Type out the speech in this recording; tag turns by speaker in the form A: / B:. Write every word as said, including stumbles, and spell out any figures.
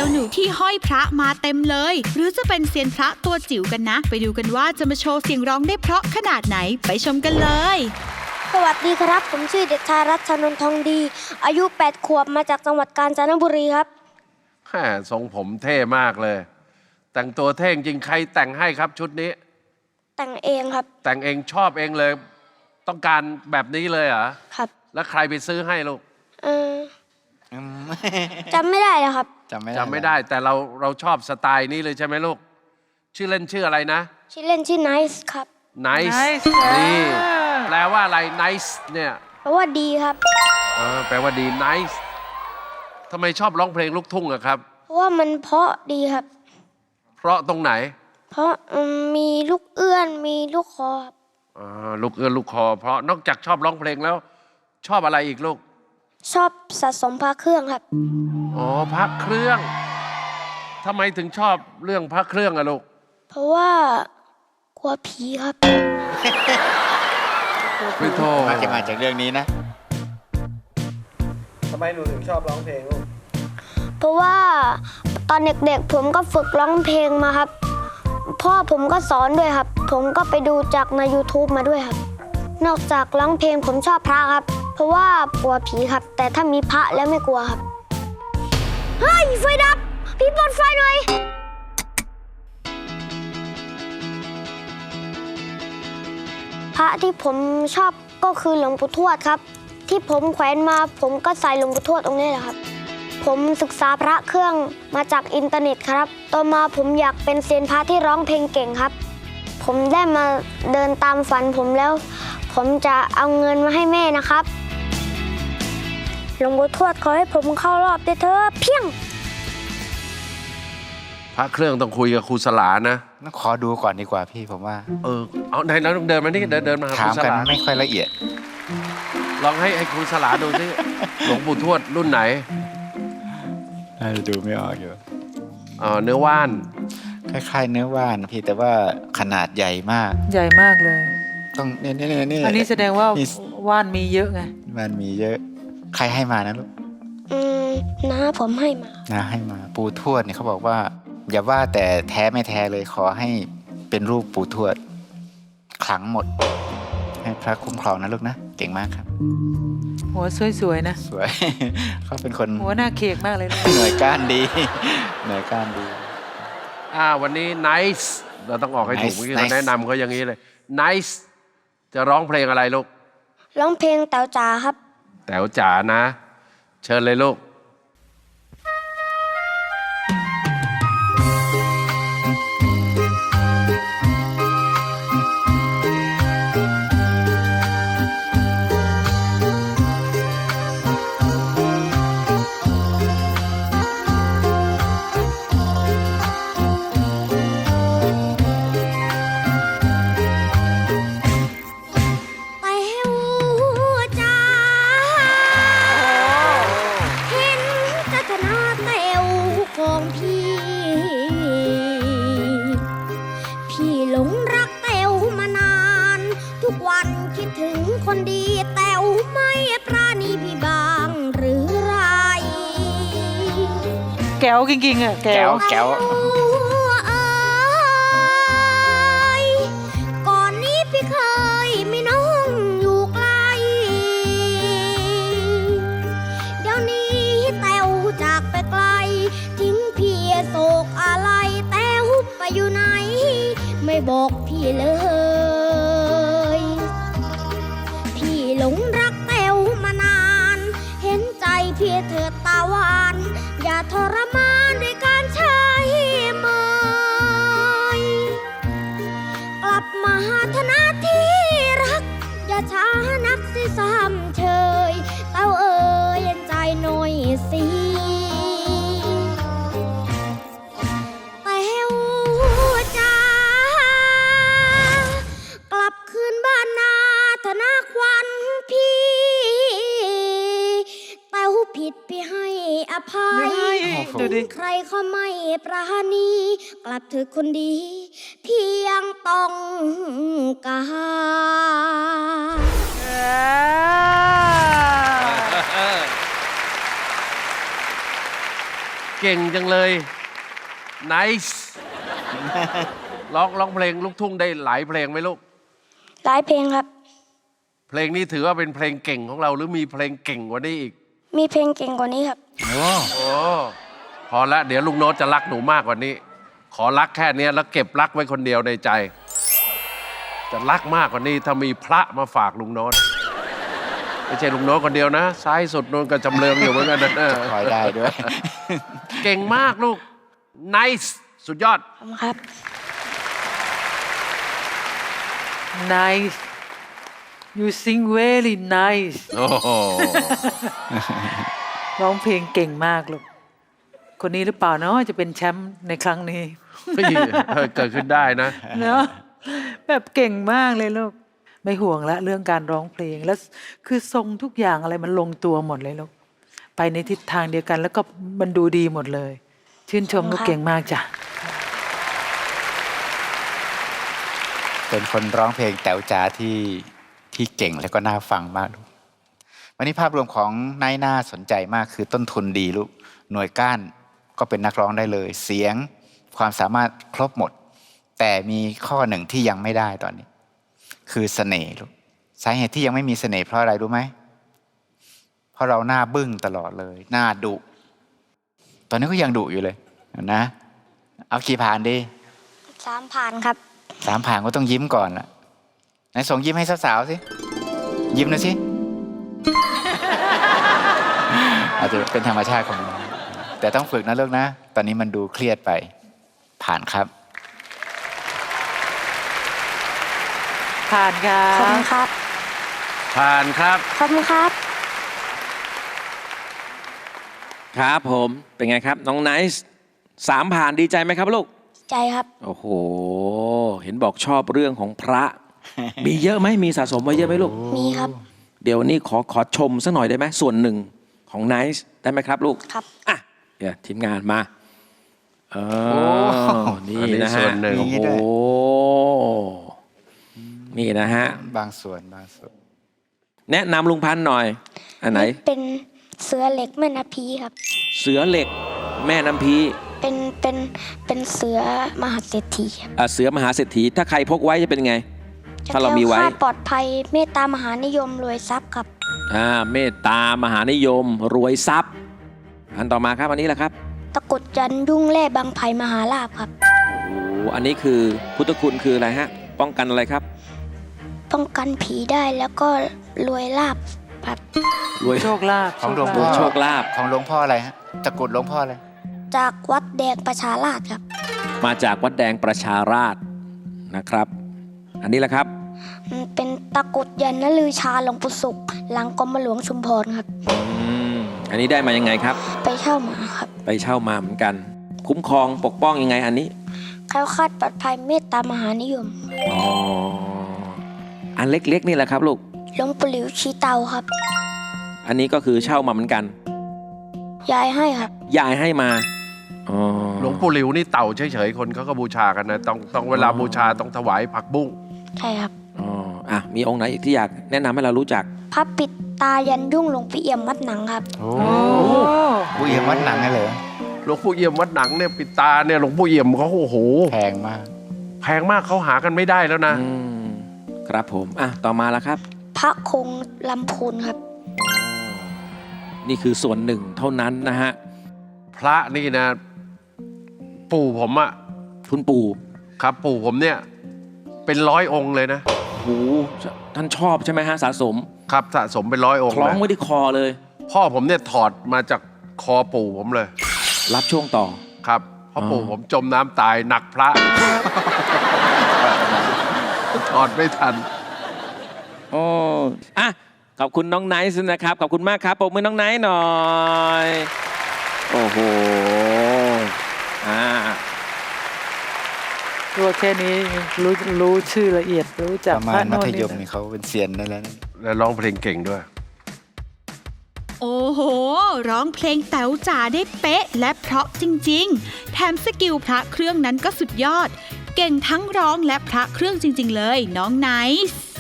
A: จ้าหนูที่ห้อยพระมาเต็มเลยหรือจะเป็นเซียนพระตัวจิ๋วกันนะไปดูกันว่าจะมาโชว์เสียงร้องได้เพราะขนาดไหนไปชมกันเลย
B: สวัสดีครับผมชื่อเด็กชายรัชนนท์ทองดีอายุแปดขวบมาจากจังหวัดกาญจนบุรีครับ
C: แหมทรงผมเท่มากเลยแต่งตัวเท่จริงใครแต่งให้ครับชุดนี้
B: แต่งเองครับ
C: แต่งเองชอบเองเลยต้องการแบบนี้เลยเหรอ
B: ครับ
C: แล้วใครไปซื้อให้ลูก
B: เออจำไม่ได้แล้วครับ
C: จำไม่ได้จำไม่ได้แต่เราเราชอบสไตล์นี้เลยใช่ไหมลูกชื่อเล่นชื่ออะไรนะ
B: ชื่อเล่นชื่อ Nice ครับ
C: Nice นี่แปลว่าอะไร Nice เนี่ย
B: แปลว่าดีครับ
C: อ่าแปลว่าดี Nice ทำไมชอบร้องเพลงลูกทุ่งอะครับ
B: เพราะว่ามันเพราะดีครับ
C: เพราะตรงไหน
B: เพราะมีลูกเอื้อนมีลูกคอครับ
C: อ่าลูกเอื้อนลูกคอเพราะนอกจากชอบร้องเพลงแล้วชอบอะไรอีกลูก
B: ชอบสะสมพระเครื่องครับ
C: อ๋อพระเครื่องทำไมถึงชอบเรื่องพระเครื่องอะลูก
B: เพราะว่ากลัวผีครับ
C: พี่โท
D: มาจะมาจากเรื่องนี้นะ
E: ทำไมหนูถึงชอบร้องเพลงลูก
B: เพราะว่าตอนเด็กๆผมก็ฝึกร้องเพลงมาครับพ่อผมก็สอนด้วยครับผมก็ไปดูจากใน YouTube มาด้วยครับนอกจากร้องเพลงผมชอบพระครับเพราะว่ากลัวผีครับแต่ถ้ามีพระแล้วไม่กลัวครับเฮ้ยไฟดับพี่เปิดไฟหน่อยพระที่ผมชอบก็คือหลวงปู่ทวดครับที่ผมแขวนมาผมก็ใส่หลวงปู่ทวดตรงนี้แหละครับผมศึกษาพระเครื่องมาจากอินเทอร์เน็ตครับต่อมาผมอยากเป็นเซียนพระที่ร้องเพลงเก่งครับผมได้มาเดินตามฝันผมแล้วผมจะเอาเงินมาให้แม่นะครับหลวงปู่ทวดขอให้ผมเข้ารอบด้วยเถอะเพียง
C: พระเครื่องต้องคุยกับครูสลานะ
D: ต้องขอดูก่อนดีกว่าพี่ผมว่า
C: เออเอาไหนเราต้องเดินมานี่เดินเดินมา
D: ถามกันไม่ค่อยละเอียด
C: ลองให้ให้ครูสลาดูสิหลวงปู่ทวดรุ่นไหน
D: น่าจะดูไม่ออกอยู่
C: อ๋อเนื้อว่าน
D: คล้ายๆเนื้อว่านพี่แต่ว่าขนาดใหญ่มาก
F: ใหญ่มากเลย
D: ต้องเนี่ยเนี่ยเนี่ย
F: อันนี้แสดงว่าว่านมีเยอะไง
D: ว่านมีเยอะใครให้มานะลูก
B: อืมน้าผมให้มา
D: น้าให้มาปู่ทวดเนี่ยเขาบอกว่าอย่าว่าแต่แท้ไม่แท้เลยขอให้เป็นรูปปู่ทวดขลังหมดให้พระคุ้มครองนะลูกนะเก่งมากครับ
F: หัวสวยๆนะ
D: สวยเขาเป็นคน
F: หัวหน้าเคกมากเลยนะ
D: หน่วยก้านดีหน่วยก้านดี
C: อ่าวันนี้ Nice เราต้องออกให้ถูกเมื่อกี้เราแนะนำเขาอย่างนี้เลย Nice จะร้องเพลงอะไรลูก
B: ร้องเพลงแต๋วจ๋าครับ
C: แต๋วจ๋านะเชิญเลยลูก
F: แก้วจริงๆอ่ะ
D: แก้วแก้ว
B: ก่อนนี้พี่เคยมีน้องอยู่ไกลเดี๋ยวนี้แต้วจากไปไกลทิ้งพี่โศกอะไรแต้วไปอยู่ไหนไม่บอกพี่เลยพี่หลงรักแต้วมานานเห็นใจพี่เถิดตาหวานอย่าทรมานด้วยการใช้เมยกลับมาหาธนาที่รักอย่าช้านักสิซ้ำเชยเต้าเอ๋ยเย็นใจหน่อยสิแต้วจ๋ากลับคืนบ้านนาธนาควันพี่แต้วผิดพี่ให้อภัยใครเขาไม่ปราณีกลับเธอคนดีเพียงต้องการ
C: เก่งจังเลย nice ร้องร้องเพลงลูกทุ่งได้หลายเพลงไหมลูก
B: หลายเพลงครับ
C: เพลงนี้ถือว่าเป็นเพลงเก่งของเราหรือมีเพลงเก่งกว่านี้อีก
B: มีเพลงเก่งกว่านี้ครับ
D: โอ้
C: โอ้พอละเดี๋ยวลุงโน้ตจะรักหนูมากกว่านี้ ขอรักแค่เนี้ยแล้วเก็บรักไว้คนเดียวในใจ จะรักมากกว่านี้ถ้ามีพระมาฝากลุงโน้ตไม่ใช่ลุงโน้ตคนเดียวนะซ้ายสุดโน้นก็จำเริงอยู่เหมือนกันนะ
D: คอยได้ด้วย
C: เก่งมากลูก nice สุดยอด
B: ขอบคุณครับ
F: nice you sing very nice
C: โอ้โห
F: ร้องเพลงเก่งมากลูก คนนี้หรือเปล่าเนาะจะเป็นแชมป์ในครั้งนี้
C: เฮ้ยเกิดขึ้นได้นะ
F: เนาะแบบเก่งมากเลยลูก ไม่ห่วงละเรื่องการร้องเพลงแล้วคือทรงทุกอย่างอะไรมันลงตัวหมดเลยลูก ไปในทิศทางเดียวกัน แล้วก็มันดูดีหมดเลย ชื่นชมลูกเก่งมากจ้ะ
D: เป็นคนร้องเพลงแต๋วจ๋าที่ที่เก่งแล้วก็น่าฟังมากลูกวันนี้ภาพรวมของนายน่าสนใจมากคือต้นทุนดีลูกหน่วยก้านก็เป็นนักร้องได้เลย เสียงความสามารถครบหมด แต่มีข้อหนึ่งที่ยังไม่ได้ตอนนี้ คือเสน่ห์ลูกสาเหตุที่ยังไม่มีเสน่ห์เพราะอะไรรู้ไหมเพราะเราหน้าบึ้งตลอดเลยหน้าดุตอนนี้ก็ยังดุอยู่เลยนะเอากี่ผ่านดี
B: สามผ่านครับ
D: สามผ่านก็ต้องยิ้มก่อนล่ะไหนส่งยิ้มให้สาวๆสิยิ้มหน่อยสิ อาจจะเป็นธรรมชาติของน้องแต่ต้องฝึกนะลูกนะตอนนี้มันดูเครียดไปผ่านครับ
F: ผ่านครั
B: ขอบคุ
F: บ
B: ณครับ
C: ผ่านครับ
B: ขอบคุณครับ
G: ครับผมเป็นไงครับ น้องไนซ์สามผ่านดีใจไหมครับลูก
B: ใจครับ
G: โอ้โห เห็นบอกชอบเรื่องของพระ มีเยอะไหมมีสะสมไว้เยอะไหมลูก
B: มีครับ
G: เดี๋ยววันนี้ขอขอชมสักหน่อยได้ไหมส่วนหนึ่งของไนซ์ได้ไหมครับลูก
B: ครับ
G: อ่ะเดี๋ยวทีมงานมาเออนี่
C: อันนี้
G: นะ
C: ส่
G: ฮะ
C: วนหนึ่ง
G: โอ้โหนี่นะฮะ
D: บางส่วนบางส่วน
G: แนะนำลุงพันธ์หน่อย อันไหน
B: เป็นเสือเหล็กแม่นาพีครับ
G: เสือเหล็กแม่น้ำพี
B: เป็นเป็นเป็นเสือมหาเศรษฐีครับ
G: อ่ะเสือมหาเศรษฐีถ้าใครพกไว้จะเป็นไง ถ้าเรามีไว้
B: จะแคล้วคลดปลอดภัยเมตตามหานิยมรวยทรัพย์ครับ
G: อ่าเมตตามหานิยมรวยทรัพย์ อันต่อมาครับอันนี้แหละครับ
B: ตะกรุดจันทร์ยุ่งแร่บางไผ่มหาลาภครับ
G: โอ้อันนี้คือพุทธคุณคืออะไรฮะ ป้องกันอะไรครับ
B: ป้องกันผีได้แล้วก็รวยลาภครับ
G: รวย
F: โชคลาภ
D: ของหลวง
F: โช
D: พ่อ
F: คลาภ
G: โชคลาภ
D: ของหลวงพ่ออะไรฮะตะกรุดหลวงพ่ออะไร
B: จากวัดแดงประชาราษฎร์ครับ
G: มาจากวัดแดงประชาราษฎร์นะครับ อันนี้แหละครับ
B: อืมเป็นตะกรุดยันนลือชาหลวงปู่ศุกร์หลังกรมหลวงชุมพรครับ
G: อืมอันนี้ได้มายังไงครับ
B: ไปเช่ามาครับ
G: ไปเช่ามาเหมือนกัน คุ้มครองปกป้องยังไงอันนี้
B: แคล้วคลาดปลอดภัยเมตตามหานิยม
G: อ๋ออันเล็กๆนี่แหละครับลูก
B: หลวงปู่หลิวชีเตาครับ
G: อันนี้ก็คือเช่ามาเหมือนกัน
B: ยายให้ครับ
G: ยายให้มาอ๋อ
C: หลวงปู่หลิวนี่เต่าเฉยๆคนเขาก็บูชากันนะต้องต้องเวลาบูชาต้องถวายผักบุ้ง
B: ใช่ครับ
G: อ๋ออ่ะมีองค์ไหนอีกที่อยากแนะนำให้เรารู้จัก
B: พระปิดตายันยุ่งหลวงพี่เอี่ยมวัดหนังครับ
D: โอ้
F: โอ้
D: ผู้เอี่ยมวัดหนังนั่นเลย
C: หลวงปู่เอี่ยมวัดหนังเนี่ยปิดตาเนี่ยหลวงปู่เอี่ยมเขาโอ้โห
D: แพงมาก
C: แพงมากเขาหากันไม่ได้แล้วนะ
G: อืมครับผมอ่ะต่อมาแล้วครับ
B: พระคงลำพูนครับ
G: นี่คือส่วนหนึ่งเท่านั้นนะฮะ
C: พระนี่นะ ปู่ผมอะ
G: คุณปู่
C: ครับ ปู่ผมเนี่ย เป็นร้อยองค์เลยนะ
G: โหท่านชอบใช่ไหมฮะสะสม
C: ครับสะสมเป็นร้อยองค์
G: คล้อง
C: เลย
G: ไว้ที่คอเลย
C: พ่อผมเนี่ยถอดมาจากคอปู่ผมเลย
G: รับช่วงต่อ
C: ครับเพราะ
G: อ๋อ
C: ปู่ผมจมน้ำตายหนักพระ ถอดไม่ทัน
G: โอ้อ่ะขอบคุณน้องไนซ์นะครับ ขอบคุณมากครับปรบมือน้องไนซ์หน่อย โอ้โหอ่า
F: ตัวแค่นี้รู้รู้ชื่อละเอียดรู้จัก
D: ประมา
F: พระ
D: ณมั
F: โน่น
D: ธย
F: นี่
D: มนี่เขาเป็นเซียนได้แล้วนะ
C: และร้องเพลงเก่งด้วย
A: โอ้โห ร้องเพลงแต๋วจ๋าได้เป๊ะ และเพราะจริงๆ แถมสกิลพระเครื่องนั้นก็สุดยอด เก่งทั้งร้องและพระเครื่องจริงๆเลย น้องไนซ์